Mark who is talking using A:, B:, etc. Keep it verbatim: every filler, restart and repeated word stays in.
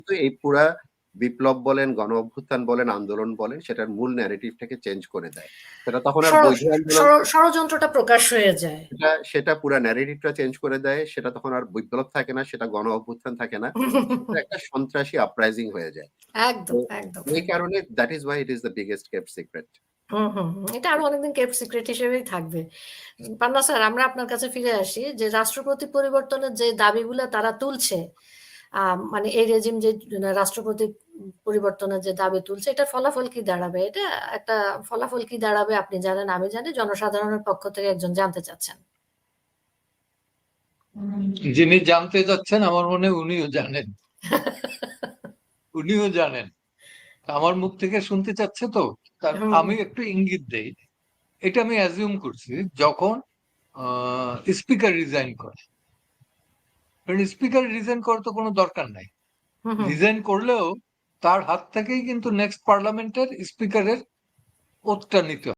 A: কিন্তু এই পুরা বিপ্লব বলেন, গণ-অভ্যুত্থান বলেন, আন্দোলন বলেন সেটার মূল ন্যারেটিভটাকে চেঞ্জ করে দেয়। সেটা তখন আর
B: ষড়
A: বৈধ আন্দোলন
B: ষড় ষড়যন্ত্রটা প্রকাশ হয়ে যায়।
A: সেটা সেটা পুরা ন্যারেটিভটা চেঞ্জ করে দেয়। সেটা তখন আর বিপ্লব থাকে না, সেটা গণ-অভ্যুত্থান থাকে না। সেটা একটা সন্ত্রাসী আপরাইজিং হয়ে যায়। তো
B: একদম, একদম,
A: এই
B: একদম।
A: কারণে that is why it is the biggest kept secret.
B: হুম, হুম, হুম। এটা আরো অনেকদিন কেপ্ট সিক্রেট হিসেবেই থাকবে। পান্না স্যার আমরা আপনার কাছে ফিরে আসি যে রাষ্ট্রপতি পরিবর্তনের যে দাবিগুলা তারা তুলছে, আ মানে এই রেজিম যে রাষ্ট্রপতি পরিবর্তনের যে দাবি তুলছে এটার ফলাফল কি দাঁড়াবে? এটা একটা ফলাফল কি দাঁড়াবে আপনি জানেন, আমি জানি। জনসাধারণের পক্ষ থেকে একজন জানতে চাচ্ছেন।
C: যিনি জানতে চাচ্ছেন আমার মনে হয় উনিও জানেন। উনিও জানেন। আমার মুখ থেকে শুনতে চাচ্ছে তো, তার
B: হুম,
C: আমি একটু ইঙ্গিত দেই। এটা আমি অ্যাজিউম করছি যখন স্পিকার রিজাইন করে। কারণ স্পিকার রিজাইন করার তো কোনো দরকার নাই।
B: হুম, হুম।
C: রিজাইন করলেও তার হাত থেকেই কিন্তু নেক্সট পার্লামেন্টের স্পিকারের ওতটা নিতে